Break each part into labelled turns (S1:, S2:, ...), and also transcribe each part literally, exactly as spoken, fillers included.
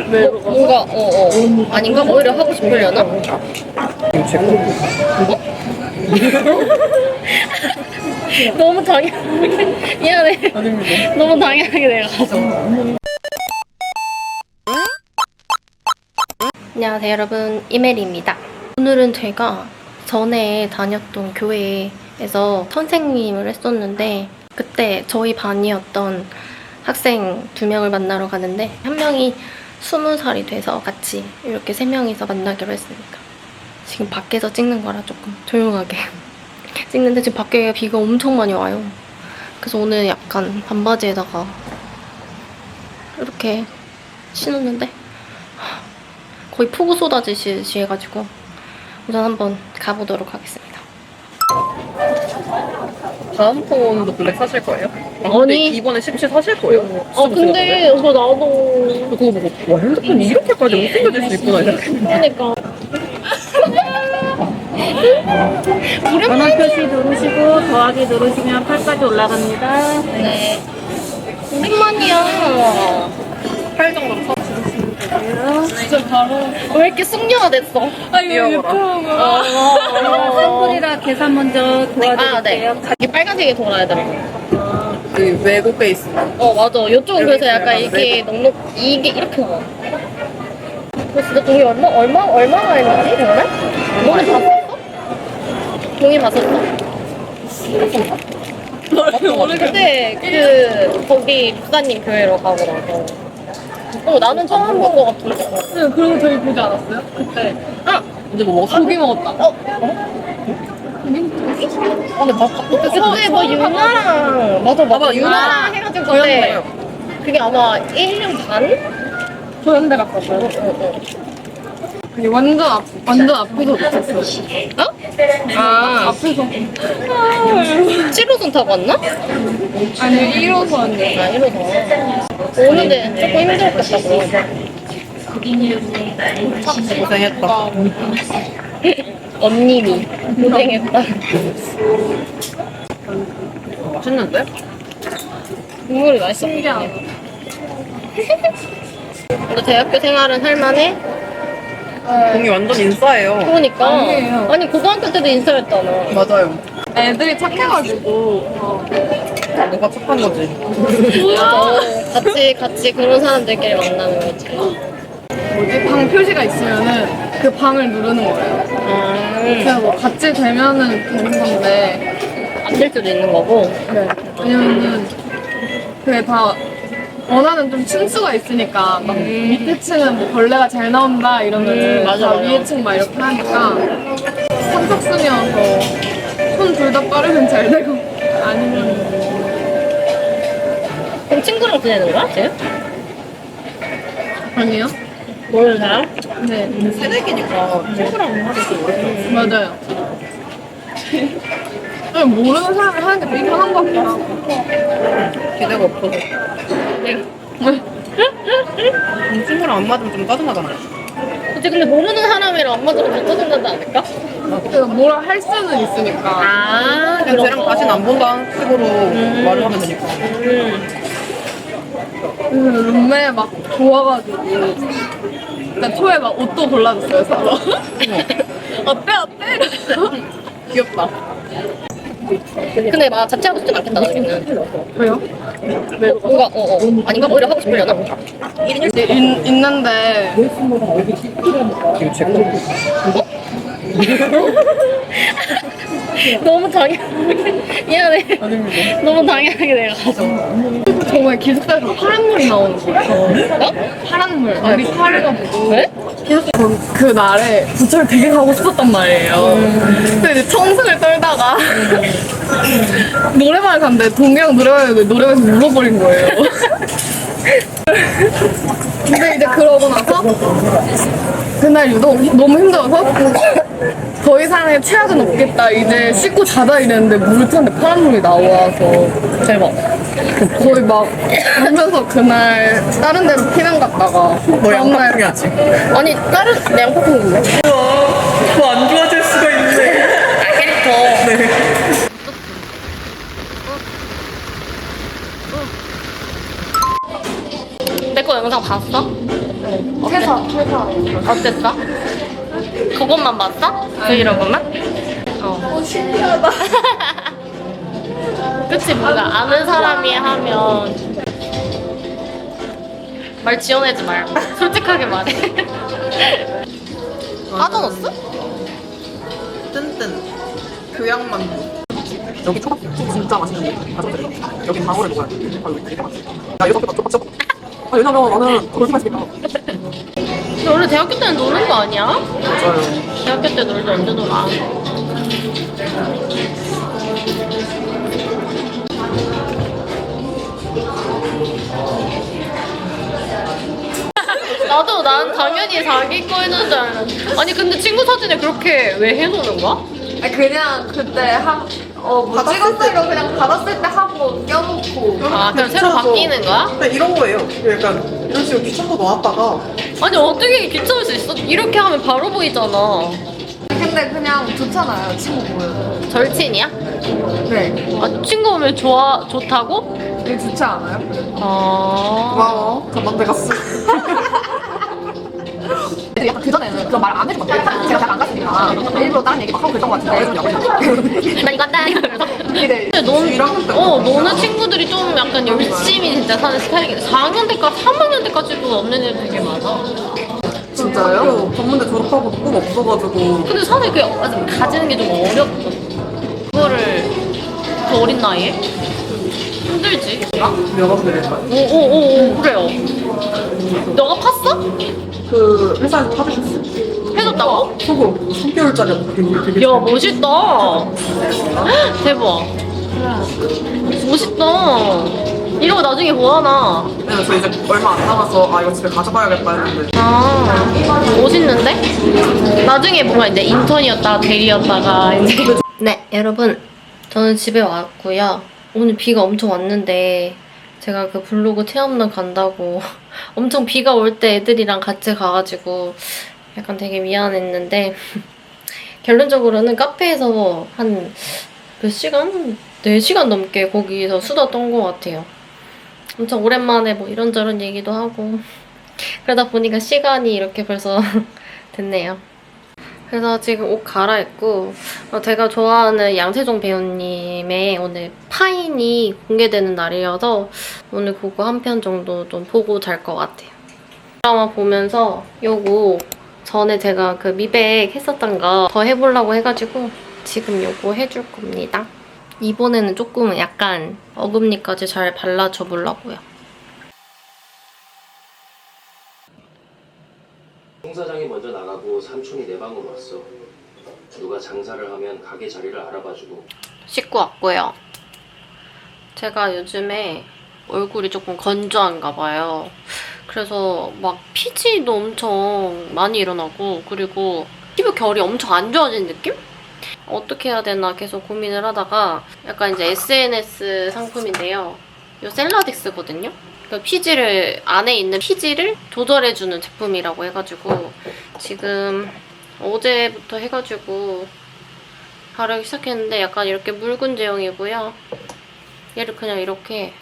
S1: 왜?
S2: 뭐, 뭔가 어어 어. 아닌가? 오히려 하고 싶으려나? 너무 당연하게 미안해.
S1: 아닙니다.
S2: 너무 당연하게 내가 가서. 안녕하세요 여러분, 이메리입니다. 오늘은 제가 전에 다녔던 교회에서 선생님을 했었는데 그때 저희 반이었던 학생 두 명을 만나러 가는데 한 명이 스무 살이 돼서 같이 이렇게 세 명이서 만나기로 했습니다. 지금 밖에서 찍는 거라 조금 조용하게 찍는데 지금 밖에 비가 엄청 많이 와요. 그래서 오늘 약간 반바지에다가 이렇게 신었는데 거의 폭우 쏟아지듯이 해가지고 우선 한번 가보도록 하겠습니다.
S1: 다음 폰도 블랙 사실 거예요? 아,
S2: 아니.
S1: 근데 이번에 십칠 사실 거예요?
S2: 아 근데 저 나도
S1: 그거 보고 와 핸드폰이 이렇게까지 못생겨질 수 있구나 이렇게.
S2: 그러니까
S3: 전화 표시 누르시고 더하기 누르시면 팔까지 올라갑니다.
S2: 네. 오랜만이야.
S1: 팔 정도로 사.
S2: 진짜 바로 왜 이렇게 숙녀가 됐어?
S1: 귀여워라.
S3: 선불이라 계산 먼저 도와드릴게요.
S2: 아, 네. 자기 빨간색이 돌아야 되더라고.
S1: 그 외국 베이스.
S2: 어, 맞아. 이쪽은 그래서 약간
S1: 이렇게
S2: 이게 넉넉, 이게 이렇게 나와. 너 진짜 동이 얼마, 얼마, 얼마나 했는지, 정말? 동이 봤었어? 동이 봤었어? 그때 그, 거기 목사님 교회로 가고 나서. 어, 나는 처음 본 거 같은데.
S1: 네, 그리고 저희 보지 않았어요? 그때.
S2: 아!
S1: 이제 뭐 먹었어? 고기 먹었다.
S2: 어? 어? 근데 막 그때 그때 뭐 유나랑 맞아 맞아
S1: 맞아, 유나.
S2: 유나랑 해가지고
S1: 저희
S2: 그때
S1: 한거예요.
S2: 그게 아마 일 년 반?
S1: 저 현대 갔었어요. 아니 완전 앞 완전 앞에서 놓쳤어요.
S2: 어? 아
S1: 앞에서.
S2: 칠 호선 타고 왔나?
S1: 아니 일 호선이요.
S2: 아 일 호선 오는데 조금 힘들었겠다 그럼
S1: 고생했다.
S2: 언니니 고생했다.
S1: 맛있는데?
S2: 국물이 맛있어. 근데 대학교 생활은 할만해?
S1: 공이 완전 인싸예요.
S2: 그러니까
S1: 아니에요.
S2: 아니 고등학교 때도 인싸였잖아.
S1: 맞아요. 애들이 착해가지고 누가 착한 거지.
S2: 맞아. 같이 같이 그런 사람들끼리 만나는 거지.
S1: 뭐지? 방 표시가 있으면은 그 방을 누르는 거예요.
S2: 아,
S1: 그냥 뭐 같이 되면은 되는 건데.
S2: 안 될 수도 있는 거고.
S1: 네. 왜냐면은 그게 다 원하는 좀 층수가 있으니까 막 밑에 층은 뭐 벌레가 잘 나온다 이러면은
S2: 음, 맞아,
S1: 다
S2: 맞아.
S1: 위에 층 막 이렇게 하니까 선착순이어서 손 둘 다 빠르면 잘 되고 아니면
S2: 그럼 친구랑 지내는 거야, 쟤?
S1: 아니요?
S2: 모르는 사람?
S1: 네
S2: 새내기니까 친구랑 하기 좀
S1: 맞아요. 그냥 모르는 사람이 하는 게 되게 편한 것 같기도 하고 기대가 없어서 친구랑 안 맞으면 좀 짜증나잖아요.
S2: 그치, 근데 모르는 사람이랑 안 맞으면 더 짜증나지 않을까?
S1: 그래서 뭐라 할 수는 있으니까
S2: 아,
S1: 그냥 쟤랑 다시는 안 본다는 식으로 말을 하면 되니까. 음, 룸메 막 좋아가지고 일단 초에 막 옷도 골라줬어요 서로. 어때 어때? 이러면서. 귀엽다.
S2: 근데 막 자취하고 싶진 않겠다, 나중에는.
S1: 왜요?
S2: 뭔가, 어, 어. 아닌가? 오히려 하고 싶으려나?
S1: 이제 있, 있는데
S2: 너무 당연하게. 미안해.
S1: 아닙니다.
S2: 너무 당연하게 내가 가서.
S1: 정말 기숙사에서 파란 물이 나오는 거예요.
S2: 어?
S1: 파란 물. 물이 파래가지고.
S2: 왜?
S1: 전 그 날에 부천을 되게 가고 싶었단 말이에요. 근데 이제 청승을 떨다가 노래방을 갔는데 동경 노래방에 노래방에서 울어버린 거예요. 근데 이제 그러고 나서 그날 유독 너무 힘들어서 더 이상의 최악은 없겠다 이제 씻고 자자 이랬는데 물을 탔는데 파란 물이 나와서
S2: 대박.
S1: 거의 막 울면서 그날 다른 데로 피난 갔다가
S4: 너 양파풍이었지?
S2: 아니, 다른, 내 양파콩인데?
S4: 더 안 좋아질 수가 있네.
S2: 아, 캐릭터.
S4: 네.
S2: 내 거 영상 봤어?
S1: 네. 회사, 회사.
S2: 어땠어? 그것만 봤어? 브이로그만? 어.
S1: 어, 신기하다.
S2: 그치, 뭔가 아는 사람이 하면 말 지어내지 말고 솔직하게 말해. 빠져넣었어?
S5: 뜬뜬 교양만두. 여기 초밥 진짜 맛있는데 가족들이 여기 방울을 먹어야 돼. 아 여기 되게 맛있어. 나 이거 초밥 초밥. 아 왜냐면 나는 그렇게 맛있겠다.
S2: 근데 원래 대학교 때는 노는 거 아니야?
S5: 맞아요.
S2: 대학교 때 놀 때 언제 놀아? 나도 난 당연히 자기 거 해놓은 줄 알았는데. 아니 근데 친구 사진에 그렇게 왜 해놓는 거야?
S1: 아니, 그냥 그때 한, 어, 뭐 찍었을 때 그냥 받았을 때 하고 껴놓고.
S2: 아 그럼 새로
S5: 귀찮아서.
S2: 바뀌는 거야?
S5: 근데 이런 거예요. 약간 이런 식으로 귀찮고 놓았다가
S2: 아니 어떻게 귀찮을 수 있어? 이렇게 하면 바로 보이잖아.
S1: 근데 그냥 좋잖아요, 친구 보여도.
S2: 절친이야?
S1: 네.
S2: 아 친구 오면 좋아 좋다고?
S1: 되게 좋지 않아요?
S2: 아
S5: 고마워. 전망대 갔어.
S1: 근데 약간 그전에는 그런 말 안 해준 것 같아요. 제가 잘 안 갔으니까. 일부러 다른 얘기 막 하고 그랬던 것 같은데.
S2: 나 이거 한다 이러면서.
S1: 근데
S2: 근데 넌,
S5: 일 학년 때
S2: 어, 너는 친구들이 좀 약간 열심히 진짜 사는 스타일이긴 해. 사 학년 때까지, 삼 학년 때까지도 없는 애들 되게 많아.
S5: 진짜요? 학교 전문대 졸업하고 꿈 없어가지고
S2: 근데 사실 그게 아직 가지는 게 좀 어렵거든. 그거를 그 어린 나이에? 힘들지.
S5: 몇억 내릴까요?
S2: 오오오 그래요. 너가 팠어?
S5: 그 회사에서 파주셨어요.
S2: 해줬다고?
S5: 속으로 삼 개월짜리 되게 되게
S2: 야 멋있다. 대박. 멋있다. 이런 거 나중에 뭐하나.
S5: 네, 저 이제 얼마 안 남아서 아 이거 집에 가져가야겠다 했는데
S2: 아 멋있는데? 나중에 뭔가 이제 인턴이었다가 대리였다가 이제 네 여러분 저는 집에 왔고요. 오늘 비가 엄청 왔는데 제가 그 블로그 체험단 간다고 엄청 비가 올 때 애들이랑 같이 가가지고 약간 되게 미안했는데 결론적으로는 카페에서 한 몇 시간? 네 시간 넘게 거기서 수다 떤 것 같아요. 엄청 오랜만에 뭐 이런저런 얘기도 하고 그러다 보니까 시간이 이렇게 벌써 됐네요. 그래서 지금 옷 갈아입고 어, 제가 좋아하는 양세종 배우님의 오늘 파인이 공개되는 날이어서 오늘 그거 한 편 정도 좀 보고 잘 것 같아요. 드라마 보면서 요거 전에 제가 그 미백 했었던 거 더 해보려고 해가지고 지금 요거 해줄 겁니다. 이번에는 조금 약간 어금니까지 잘 발라줘 보려고요.
S6: 송 사장이 먼저 나가고 삼촌이 내 방으로 왔어. 누가 장사를 하면 가게 자리를 알아봐주고.
S2: 씻고 왔고요. 제가 요즘에 얼굴이 조금 건조한가 봐요. 그래서 막 피지도 엄청 많이 일어나고 그리고 피부 결이 엄청 안 좋아진 느낌? 어떻게 해야 되나 계속 고민을 하다가 약간 이제 에스엔에스 상품인데요. 이 셀라딕스거든요. 그 피지를 안에 있는 피지를 조절해주는 제품이라고 해가지고 지금 어제부터 해가지고 바르기 시작했는데 약간 이렇게 묽은 제형이고요. 얘를 그냥 이렇게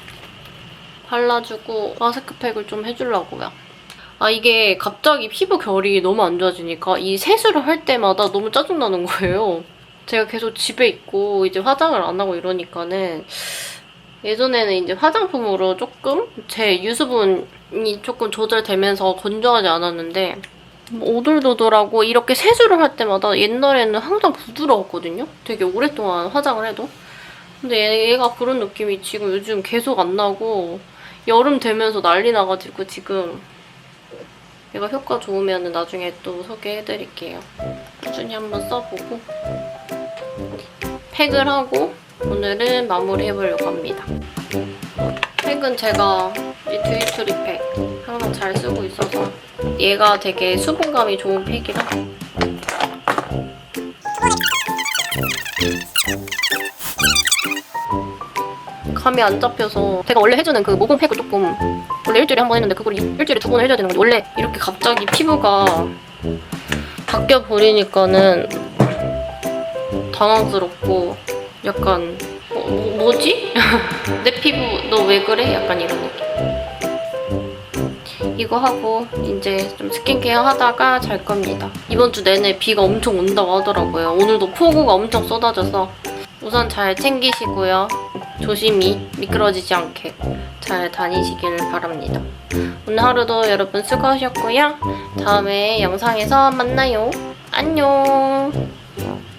S2: 발라주고 마스크팩을 좀 해주려고요. 아 이게 갑자기 피부 결이 너무 안 좋아지니까 이 세수를 할 때마다 너무 짜증나는 거예요. 제가 계속 집에 있고 이제 화장을 안 하고 이러니까는 예전에는 이제 화장품으로 조금 제 유수분이 조금 조절되면서 건조하지 않았는데 오돌도돌하고 이렇게 세수를 할 때마다 옛날에는 항상 부드러웠거든요? 되게 오랫동안 화장을 해도. 근데 얘가 그런 느낌이 지금 요즘 계속 안 나고 여름 되면서 난리 나가지고 지금 얘가 효과 좋으면 나중에 또 소개해드릴게요. 꾸준히 한번 써보고 팩을 하고 오늘은 마무리해보려고 합니다. 팩은 제가 이 듀이투리 팩 항상 잘 쓰고 있어서 얘가 되게 수분감이 좋은 팩이라 감이 안 잡혀서 제가 원래 해주는 그 모공 팩을 조금 원래 일주일에 한 번 했는데 그걸 일주일에 두 번을 해줘야 되는 건데 원래 이렇게 갑자기 피부가 바뀌어 버리니까는 당황스럽고 약간 어, 뭐, 뭐지? 내 피부 너 왜 그래? 약간 이런 느낌. 이거 하고 이제 좀 스킨케어 하다가 잘 겁니다. 이번 주 내내 비가 엄청 온다고 하더라고요. 오늘도 폭우가 엄청 쏟아져서 우선 잘 챙기시고요. 조심히 미끄러지지 않게 잘 다니시길 바랍니다. 오늘 하루도 여러분 수고하셨고요. 다음에 영상에서 만나요. 안녕.